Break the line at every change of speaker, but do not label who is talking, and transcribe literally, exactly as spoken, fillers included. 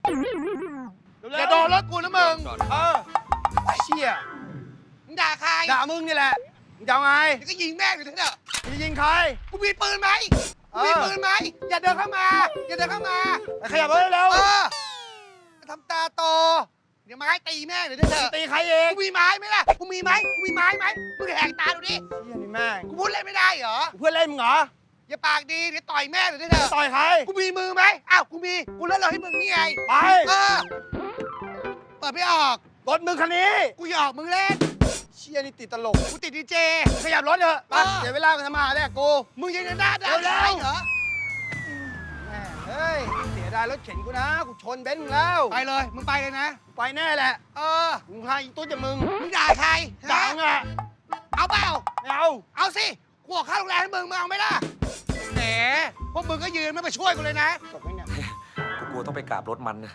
อย่าโดนรถกูนะมึงเออเชี่ย
มึงด่าใคร
ด่ามึงนี่แหละมึงจะเอาไง
เดี๋ยวก็ยิงแม่งอยู่เถอะ
จะยิงใคร
กูมีปืนไหมกูมีปืนไหมอย่าเดินเข้ามา อย่าเดินเข้ามา
ไปขยับรถเร็ว
เออทำตาโต เดี๋ยวไม้ตีแม่งเดี๋ยวเถอะ
ตีใครเอง
กูมีไม้ไหมล่ะ กูมีไหมกูมีไม้ไหมมึงแหกตาดูดิ
เชี่ยนี่แม่ง
กูพูดเล่นไม่ได้เหรอ
เพื่อนเล่นมึงเหรอ
อย่าปากดีเดี๋ยวต่อยแม่งเดี๋ยวเถอะ
ต่อยใคร
กูมีมือไหมอ้าว กูมี กูเล่นเราให้มึงนี่ไง
ไป
เออ เปิดไม่ออก
รถมึงคันนี้
กูหยอกมึงเล่น
เชี่ยนี่ติดตลก
กูติดดีเจ
ขยับรถเถอะไป
เออ
เดี๋ยวเวลาไปทำมาหาแดกกู
มึงยังจะหน้าด่า
เร็วๆ
ได้เหรอ
แม่เฮ้ยเสียดายรถเข็นกูนะกูชนเบนซ์มึงแล้ว
ไปเลย มึงไปเลยนะ
ไปแน่แหละ
เออ
มึงพาอีตุ๊ดจากมึง
มึงด่าใคร
ด่า
ฮะ
มึงอะ
เอาเปล่า
ไม่เอา
เอาสิ กูออกค่าโรงแรมให้มึงมึงเอาไหมล่ะ แหม พวกมึงก็ยืนไม่มาช่วยกูเลยนะ
จบไหมเนี่ย
กูกลัวต้องไปกราบรถมันนะ